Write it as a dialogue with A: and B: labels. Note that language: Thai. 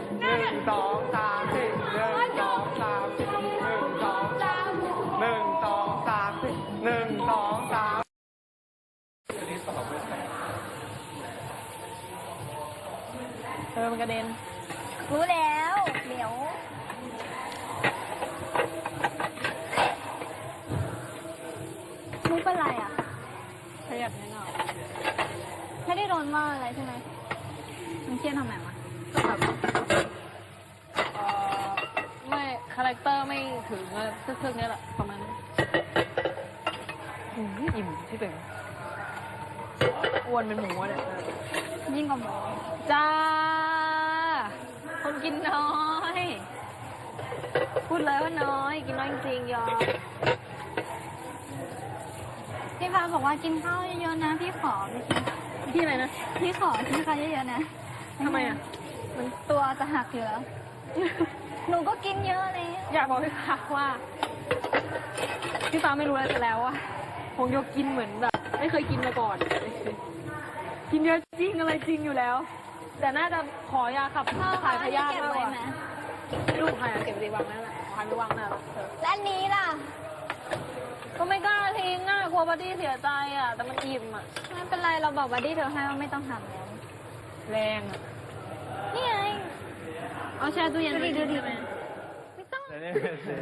A: 1 2 3 4 1 2 3 4 1 2 3 1 2 3 4 1 2 3
B: มันกระเด็น
C: รู้แล้วเดี๋ยวมุกเป็นไรอ่ะ
B: ขยับนิดหน่อย
C: ไม่ได้โดนว่าอะไรใช่ไหมมันเครียดทำไมวะ
B: ก็แบบไม่คาแรคเตอร์ไม่ถึงทึ่งๆนี่แหละประมาณนั้นอิ่มที่เป็นอ้วนเป็นหมูเนี่ย
C: ยิ่งกว่าหมู
B: จ้าคนกินน้อย พูดเลยว่าน้อยกินน้อยจริงๆยอม
C: พี่ฟ้าบอกว่ากินข้าวเยอะๆนะพี่ขอ
B: พี่อะไรนะ
C: พี่ขอกินข้าวเยอะๆนะ
B: ทำไมอ่ะ
C: มันตัวจะหักอยู่แล้วหนูก็กินเยอะเลย
B: อยากบอกพี่ฟ้าว่าพี่ฟ้าไม่รู้อะไรจะแล้วอะคงยกกินเหมือนแบบไม่เคยกินมาก่อนกินเยอะจริงอะไรจริงอยู่แล้วแต่น่าจะขอยาขับถ่ายพยาธิมากกว่าลูกใครเก็บดีวางนั่นแหละใครไม่วางนั่นแหละ
C: และนี้ล่ะ
B: ก็ไม่กล้าทิ้งกลัวบัดดี้เสียใจอ่ะแต่มันอิ่มอ่ะ
C: ไม่เป็นไรเราบอกบัดดี้เธอให้ว่าไม่ต้องทำแล้ว
B: แรงอ่ะ
C: นี่ไง
B: เอาแช่ตู้เย็น
C: ดูดิ
B: ไม่ต้อง